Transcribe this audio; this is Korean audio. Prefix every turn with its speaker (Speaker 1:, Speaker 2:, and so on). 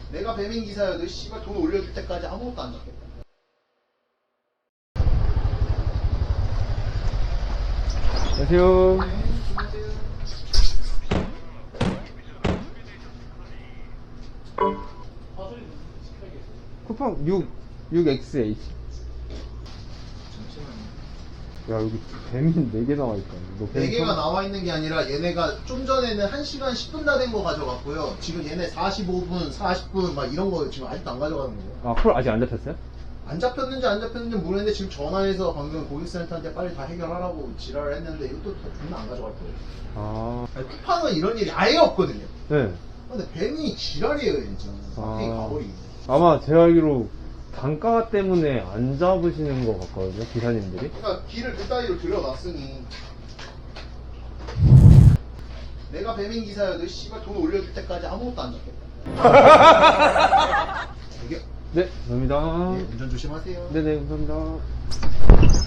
Speaker 1: 내가 배민 기사여도 씨발 돈 올려줄 때까지 아무것도 안 잡겠다.
Speaker 2: 안녕하세요.
Speaker 1: 네, 안녕하세요.
Speaker 2: 쿠팡 6XH.
Speaker 1: 잠시만요.
Speaker 2: 야, 여기 뱀이 4개 나와있다. 너 뱀
Speaker 1: 4개가 나와 있는 게 아니라 얘네가 좀 전에는 1시간 10분 다 된 거 가져갔고요. 지금 얘네 45분, 40분 막 이런 거 지금 아직도 안 가져가는 거예요.
Speaker 2: 아, 콜 아직 안 잡혔어요?
Speaker 1: 안 잡혔는지 안 잡혔는지 모르겠는데 지금 전화해서 방금 고객센터한테 빨리 다 해결하라고 지랄을 했는데 이것도 다 존나 안 가져갈 거예요.
Speaker 2: 아,
Speaker 1: 아니, 쿠팡은 이런 일이 아예 없거든요.
Speaker 2: 네.
Speaker 1: 근데 뱀이 지랄이에요 진짜. 막대기 가버리기.
Speaker 2: 아마 제가 알기로 단가 때문에 안 잡으시는 것 같거든요, 기사님들이.
Speaker 1: 그러니까 길을 그 따위로 들여놨으니 내가 배민 기사여도 씨발 돈 올려줄 때까지 아무것도 안 잡겠다. 저기요.
Speaker 2: 네, 감사합니다.
Speaker 1: 네, 운전 조심하세요.
Speaker 2: 네네, 감사합니다.